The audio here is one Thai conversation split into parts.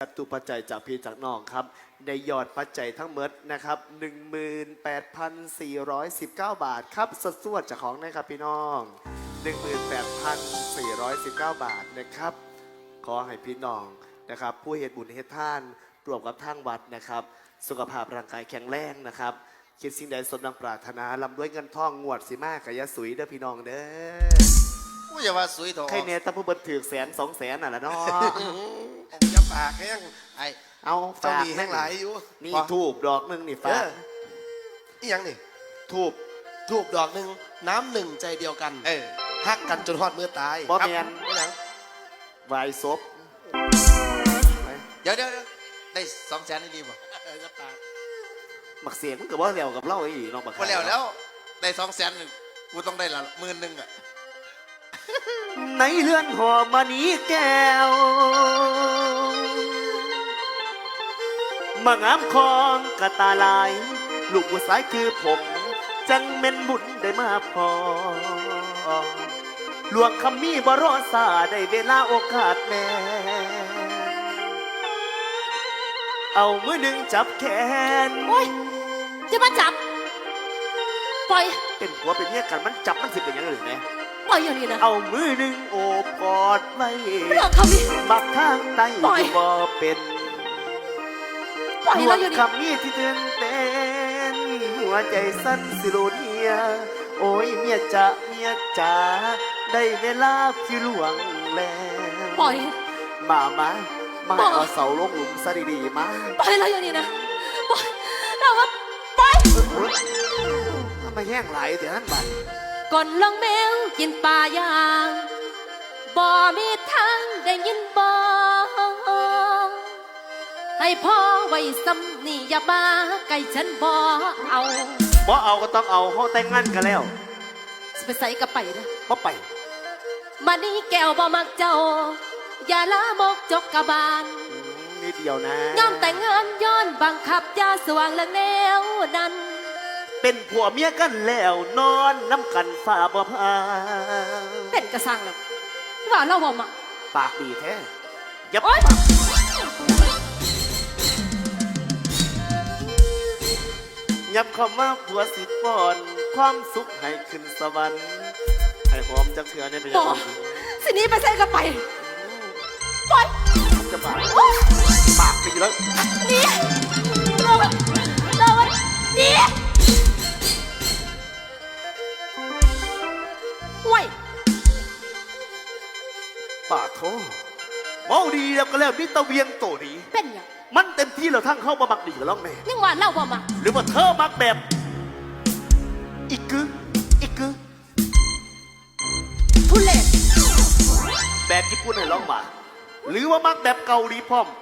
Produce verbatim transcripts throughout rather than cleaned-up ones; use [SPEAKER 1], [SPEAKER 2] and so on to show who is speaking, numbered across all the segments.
[SPEAKER 1] จตุปัจจัยจากพี่จากน้องครับได้ยอดปัจจัยทั้งหมดนะครับ หนึ่งหมื่นแปดพันสี่ร้อยสิบเก้า บาทครับสัดส่วนจากของนะครับพี่น้อง หนึ่งหมื่นแปดพันสี่ร้อยสิบเก้า บาทนะครับขอให้พี่น้องนะครับผู้เหตุบุญเหตุท่านรวมกับทางวัดนะครับสุขภาพร่างกายแข็งแรงนะครับคิดสิ่งใดสมดังปรารถนาลำด้วยเงินทองงวดสิมากกะยะสุยเด้อพี่น้องเด้อ
[SPEAKER 2] กูอย่าว่าสุยโถ
[SPEAKER 1] ใครเนี่ยถ้าผู้บันถือแสนสองแสนน่ะละเนาะ
[SPEAKER 2] ผมจะปากแห้งไอ้
[SPEAKER 1] เอา
[SPEAKER 2] เจ้ามีแห้งหลายอยู่
[SPEAKER 1] นี่ทูบดอกหนึ่งนี่ฟ้า
[SPEAKER 2] อีหยังนี่
[SPEAKER 1] ทูบ
[SPEAKER 2] ทูบดอกหนึ่งน้ำหนึ่งใจเดียวกันเออฮักกันจนฮอดมือตาย
[SPEAKER 1] บอแมน
[SPEAKER 2] ไม่หยัง
[SPEAKER 1] วายศพ
[SPEAKER 2] เดี๋ยวเดี๋ยวได้สองแสนได้ดีป่ะจะปาก
[SPEAKER 1] หมักเสียงมันก็บ่แล้วกับเล่าไอ้น้องบัก
[SPEAKER 2] พอแล้วแล้วได้สองแสนกูต้องได้ละหมื่นหนึ่งอ่ะ
[SPEAKER 1] ในเรือนหอมณีแก้วมางามคองกะตาลายลูกผู้สายคือผมจังเม่นบุญได้มาพอหลวงคำมีบรอสาได้เวลาโอกาสแม่เอามือหนึ่งจับแขน
[SPEAKER 3] โอ้ยจะมาจับปล่อย
[SPEAKER 1] เป็นผัวเป็นเมียกันมันจับมันสิเป็นยังไงหรือไง
[SPEAKER 3] ปล่อยอย่างนี้นะ
[SPEAKER 1] เอามือหนึ่งโอบกอดไว้
[SPEAKER 3] เรื่องคำนี้
[SPEAKER 1] บักข้างใต้บ่เป็น
[SPEAKER 3] ปล่อยเราอยู่
[SPEAKER 1] ดีคำนี้ที่เตือนเต้นหัวใจสั้นสิโลเนียโอ้ยเมียจะเมียจ๋าได้เวลาพี่หลวงแล้ว
[SPEAKER 3] ปล่อย
[SPEAKER 1] มามามาเอาเสาลงหลุมซะดีๆมา
[SPEAKER 3] ปล่อยเราอยู่นี่นะปล่อยเราว่าปล่อย
[SPEAKER 1] ทำไมแห้งไหลเดี๋ยวนั้นบัด
[SPEAKER 3] ก่อนลองแมวกินปลายางบ่มีทางได้ยินบ่ให้พ่อไว้ซ้ำนี่อย่ามาใกล้ฉันบ่เอา
[SPEAKER 1] บ่เอาก็ต้องเอาเขาแต่งงานกันแล้ว
[SPEAKER 3] ไปใส่กระไปนะ
[SPEAKER 1] บ่ไป
[SPEAKER 3] มานี่แก้วบ่มักเจ้าอย่าละมกจกกะบาล
[SPEAKER 1] นิดเดียวนะ
[SPEAKER 3] ยอมแต่งงานย้อนบังคับยาสว่างและแนวนั้น
[SPEAKER 1] เป็นผัวเมียกันแล้วนอนน้ำกันฝ่าบ่พา
[SPEAKER 3] เป็นกระสังแล้วว่าเราบ่มา
[SPEAKER 1] ปากดีแท้ยับยับเข้ามาผัวสิปอนความสุขให้ขึ้นสวรรค์ให้หอมจักเถื่อในเป็นยังไง
[SPEAKER 3] สินี้ไปใส่กระไปปล่อย
[SPEAKER 1] จะปากปากไปอยู่แล้ว
[SPEAKER 3] นี่เราเรานี่ว้ย
[SPEAKER 1] ปากโธ่เมาดีแล้วก็แล้วมิตรเวียงโตดี
[SPEAKER 3] เป็นยัง
[SPEAKER 1] มันเต็มที่เราทั้งเข้ามาบักดีกับล่องแม่
[SPEAKER 3] ยังว่าเล่าว่ามา
[SPEAKER 1] หรือว่าเธอมักแบบอีกกึอีกกึ
[SPEAKER 3] ทุเรศ
[SPEAKER 1] แบบญี่ปุ่นให้ร้องมาหรือว่ามักแบบเกาหลีพร้อม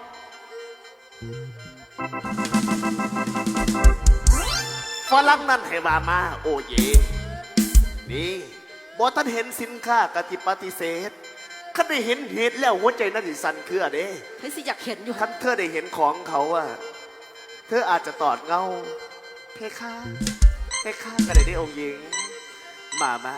[SPEAKER 1] ฝรั่งนั่นให้มามาโอเยนี่บอท่านเห็นสินค้ากติปฏิเสธข้าได้เห็นเหตุแล้วหัวใจนั่นสิสั่นเครือเด้
[SPEAKER 3] ให้สิอยากเห็นอยู่
[SPEAKER 1] ท่านเธอได้เห็นของเขาอะเธออาจจะตอดเงาเพคะเพคะก็ได้ได้องค์หญิงมามา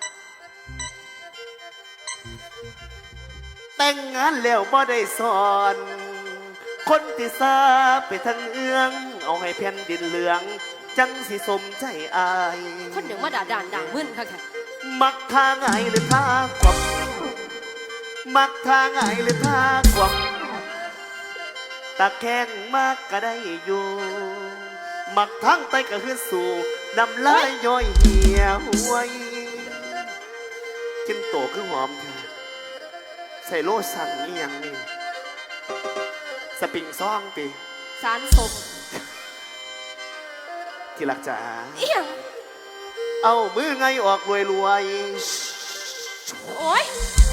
[SPEAKER 1] แต่งงานแล้วบ่ได้สอนคนที่ซาไปทางเอื้องเอาให้แผ่นดินเหลืองจังสิสมใจอาย
[SPEAKER 3] คนหนึ่งว่าด่าด่านด่ามึนค่ะแค่
[SPEAKER 1] มักทางไงหรือทางความมักทางไงหรือทางความตะแคงมากก็ได้อยู่มักทางไตก็คือสู่น้ำลายย่อยเหี่ยวไว้กินโตคือหอมใส่โลสั่งนี่ยังนี่สปริงซ่องตี
[SPEAKER 3] สารสม
[SPEAKER 1] ที่รักจ๋า
[SPEAKER 3] เอียง
[SPEAKER 1] เอามือไงออกรวยรวย
[SPEAKER 3] โอ้ย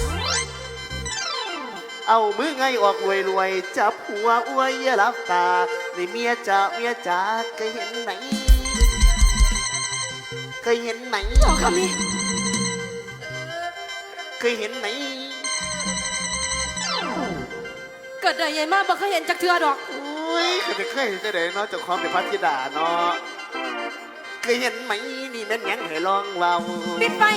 [SPEAKER 1] เอามือไงออกรวยรวยจับหัวอวยอย่าลับตาในเมียจ๋าเมียจ๋าเคยเห็นไหมเคยเห็นไหม
[SPEAKER 3] บอกคำนี้
[SPEAKER 1] เคยเห็นไหม
[SPEAKER 3] เกิดได้ยังมากบ่เคยเห็นจักเทือดอก
[SPEAKER 1] อุ้ยเคยเคยเห็นแต่ไหนเนาะจากความเป็นพัทธิดาเนาะเคยเห็นไหมนี่แม่นยังให้ลองเว้า
[SPEAKER 3] ปิดไป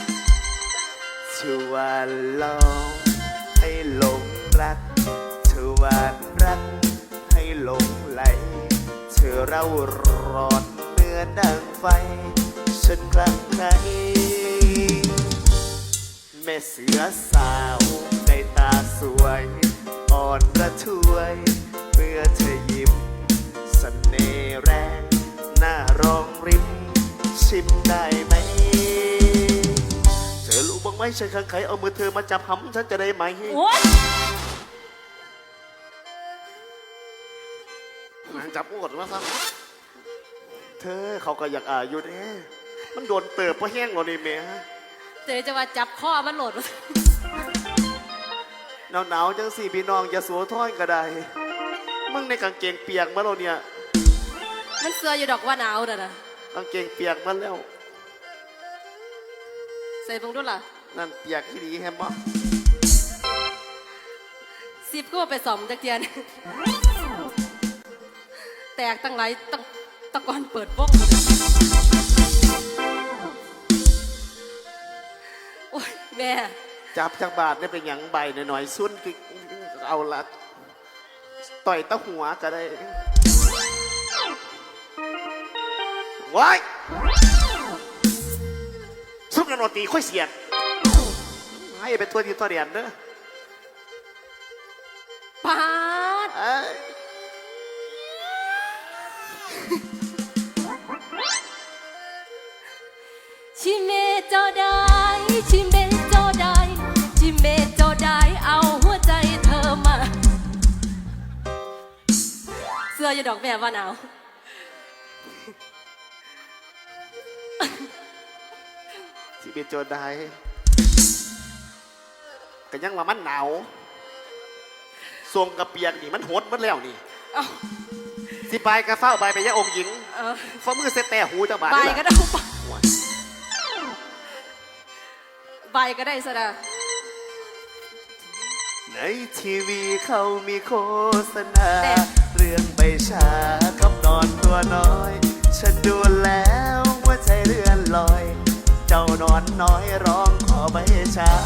[SPEAKER 1] ชวนลองให้หลงรักชวหวานรักให้หลงไหลเธอเร่าร้อนเมื่อดังไฟฉันคลั่งไคล้แม่เสือสาวในตาสวยอ่อนระทวยเมื่อเธอยิ้มเสน่ห์แรงหน้ารองริมชิมได้ไหมเธอรู้บ้างไหมฉันข้างใครเอามือเธอมาจับหำฉันจะได้ไหม
[SPEAKER 3] โอ๊ย
[SPEAKER 1] จับอวดมาซะเธอเขาก็อยากอ่าอยู่เด้มันโดนเติบเพราะแห้งเรานี่เมีย
[SPEAKER 3] เจอจะมาจับข้อมันโหลด
[SPEAKER 1] หนาวหนาวๆจังสี่พี่น้องอย่าสัวท้อนก็ได้มึงในกางเกงเปียกมาเราเนี่ย
[SPEAKER 3] มันเสืออยู่ดอกว่าหนาวน่ะนะ
[SPEAKER 1] กางเกงเปียกมาแล้ว
[SPEAKER 3] ใส่เบิ่งดูล่ะ
[SPEAKER 1] นั่นเปียกที่ดีแฮมบ่
[SPEAKER 3] สิบก็ไปสอมจักเทียน แตกตั้งหลายตั้งตะกอนเปิดวงโอ้ยแม่
[SPEAKER 1] จับจากบาทได้เป็นหยังใบหน่อยๆซุ่นคือเอาละต่อยตะหัวก็ได้ว้ายซุ่มกันโนตีค่อยเสียดให้เป็นตัวทีตัวเดียนเด้อ
[SPEAKER 3] ปาด
[SPEAKER 1] เอ้ย
[SPEAKER 3] ชิเมโจได้ชิเมโจได้ชิเมโจได้เอาหัวใจเธอมา เสื้ออยู่ดอกแม่ว่าหนาว
[SPEAKER 1] สิเป็นโจรได้ก็ยังว่ามันหนาวทรงกระเปียกนี่มันหดหมันแล้วนี่
[SPEAKER 3] เอ้า
[SPEAKER 1] สิไปกระเฝ้าใบไปยะองค์หญิง
[SPEAKER 3] เออ
[SPEAKER 1] ฟ้ามือเสแต่หูเจ้าบาท
[SPEAKER 3] ใบ
[SPEAKER 1] นี่
[SPEAKER 3] ก็
[SPEAKER 1] ล่ะ
[SPEAKER 3] ได้ใบก็ได้สนะ
[SPEAKER 1] ในทีวีเขามีโฆษณา เรื่องใบชากับนอนตัวน้อย ฉันดูแล้วว่าใจเลื่อนลอย เจ้านอนน้อยร้องขอใบชา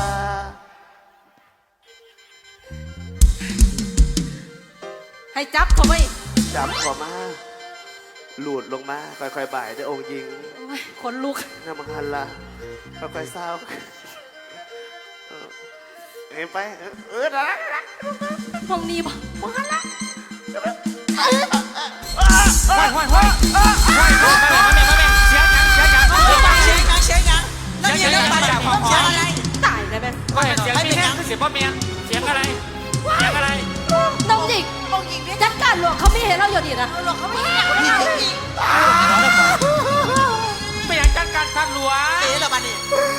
[SPEAKER 3] ให้จับเขาไว้
[SPEAKER 1] จับขอมา หลุดลงมา ค่อยๆบ่ายด้วยองค์หญิง
[SPEAKER 3] โอ้ยขนลุก
[SPEAKER 1] น้ำมันหันละค่อยๆเศร้าเออเห็นไป เออเออนะ
[SPEAKER 3] ห้องนี้บ่บ่หันละ
[SPEAKER 4] ห้อยห้อยห้อยห้อยห้อยมาแม่มาแม่มาแม่เสียงยังเสียงยังเสียงยัง
[SPEAKER 5] เสียงยังเสียงยังแล้วมีเรื่องอะไรเสียงอะไร
[SPEAKER 3] ตายเลยแม่
[SPEAKER 4] ก็เห็นเสียงมีแห้งคือเสียงพ่อเมียเสียงอะไรเสียงอะไร
[SPEAKER 3] น้องหญิง
[SPEAKER 5] องค์หญิงเนี่ย
[SPEAKER 3] จัดการหลวงเขาไม่เห็นเราอยู่ดีนะ
[SPEAKER 5] หลวงเขาไม่อยากไม่อยากอีก
[SPEAKER 4] ไม่อยากจัดการท่านหลวง
[SPEAKER 5] เต๋อละบันนี่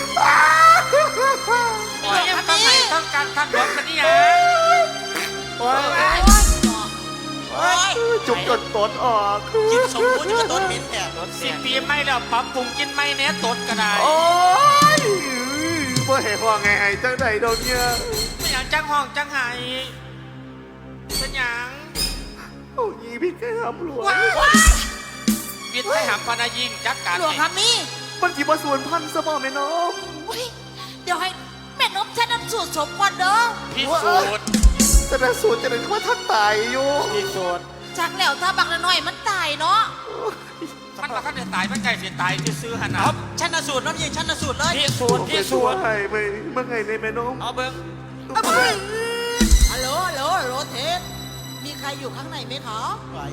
[SPEAKER 4] โอ้ยยังต้องไหนต้องการท่านหลวงกันนี่ยัง
[SPEAKER 1] โอ้ย
[SPEAKER 5] โอ้ย
[SPEAKER 1] จุกจนตดออก
[SPEAKER 5] กินสมบูรณ์กับต้นมิ้นแท้
[SPEAKER 4] สิบปีไม่แล้วปรับปรุงกินไม่เนี้ยตดก็ได้
[SPEAKER 1] โอ้ยบ่เห็นว่าไงไอ้จังใดโดนเนี่ย
[SPEAKER 4] ไม่อยากจังห้องจังไห้เป็นหยัง
[SPEAKER 1] โอ้ยพี่แกทำหลวง
[SPEAKER 4] วิทย์ให้หำพนายิงจัดการ
[SPEAKER 5] หลวงคำนี้
[SPEAKER 1] มันจีบส่วนพันสมอแม่น้อง
[SPEAKER 5] เดี๋ยวให้แม่นมฉันนำสูตรสมก่อนเด้อ
[SPEAKER 4] พิสูจน์
[SPEAKER 1] แต่ละสูตรจะเป็นว่าท่านตายอยู่
[SPEAKER 4] พิสูจน์
[SPEAKER 5] จากแล้วถ้าบักละน้อยมันตายเนาะ
[SPEAKER 4] มันมาขั้นเดือดตายมันไก่เสียตายที่ซื้อหันเอา
[SPEAKER 5] ชันสูตรน้ำยิงชันสูตรเลย
[SPEAKER 4] พิสูจน์พิสูจน์
[SPEAKER 1] ไอ้ไปเมื่อไงในแม่น้อง
[SPEAKER 4] เอาเบิ้ง
[SPEAKER 5] ฮัลโหลฮัลโหลฮัลโหลเทสมีใครอยู่ข้างในไหมคะ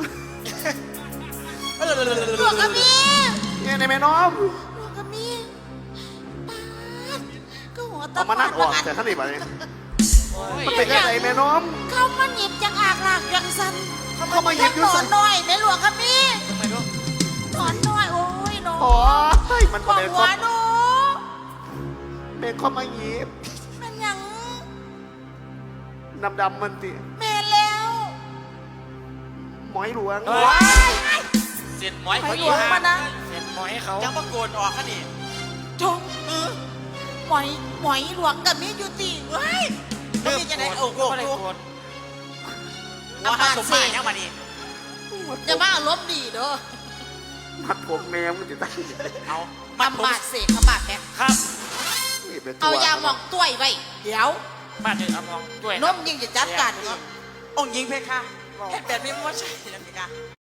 [SPEAKER 5] หลวงคำนี้
[SPEAKER 1] เนี่ยในแม่น้อง
[SPEAKER 5] หลวงคำนี้ก็หัวตะ
[SPEAKER 1] เอามานั่งออกแต่ท่านนี่ไปมันเป็นยังไงแม่น้อง
[SPEAKER 5] เขามาหยิบจากอากลากยังสัน
[SPEAKER 1] เขามาหยิบอยู่
[SPEAKER 5] หนอ
[SPEAKER 1] สั
[SPEAKER 5] น
[SPEAKER 1] น
[SPEAKER 5] น้อยในหลวงคำนี้
[SPEAKER 4] ทำไมลูก
[SPEAKER 5] หนอนน้อยโอ้ยหนอน
[SPEAKER 1] โอ้ยมัน
[SPEAKER 5] ข
[SPEAKER 1] มา
[SPEAKER 5] อง
[SPEAKER 1] เป็น
[SPEAKER 5] หั
[SPEAKER 1] ข้อ
[SPEAKER 5] วหนู
[SPEAKER 1] เป็นข้อมาหยิบ
[SPEAKER 5] มันยัง
[SPEAKER 1] ดำดำๆมันติ
[SPEAKER 5] แม่แล้ว
[SPEAKER 1] หมอยหลวง
[SPEAKER 4] เฮ้ยเสียนหมอยเขาอีห่าเสียนหมอยเขา
[SPEAKER 5] ยังมาโกนออกค่ะนี่จงเออหมอยหมอยหลวงกับมีอยู่ตีเว้ยมันมีจะไหนโอ้โห
[SPEAKER 4] ไม่ได้โกรธ
[SPEAKER 5] อามาสมายังมาดิอย่ามาอารมณ์ดีเด้อ
[SPEAKER 1] มัดผมแนมมันจะตั้ง
[SPEAKER 4] เอา
[SPEAKER 5] ทำบาดเสกขบาดแม่
[SPEAKER 4] ครับ
[SPEAKER 5] เอายาหมองต้วยไว้เดี๋ยว
[SPEAKER 4] บ้านเด็กเอามองด้วย
[SPEAKER 5] นมยิงจะจัดการเององค์หญิงเพคะเฮ็ดแบบนี้มันว่าใช่นะเพคะ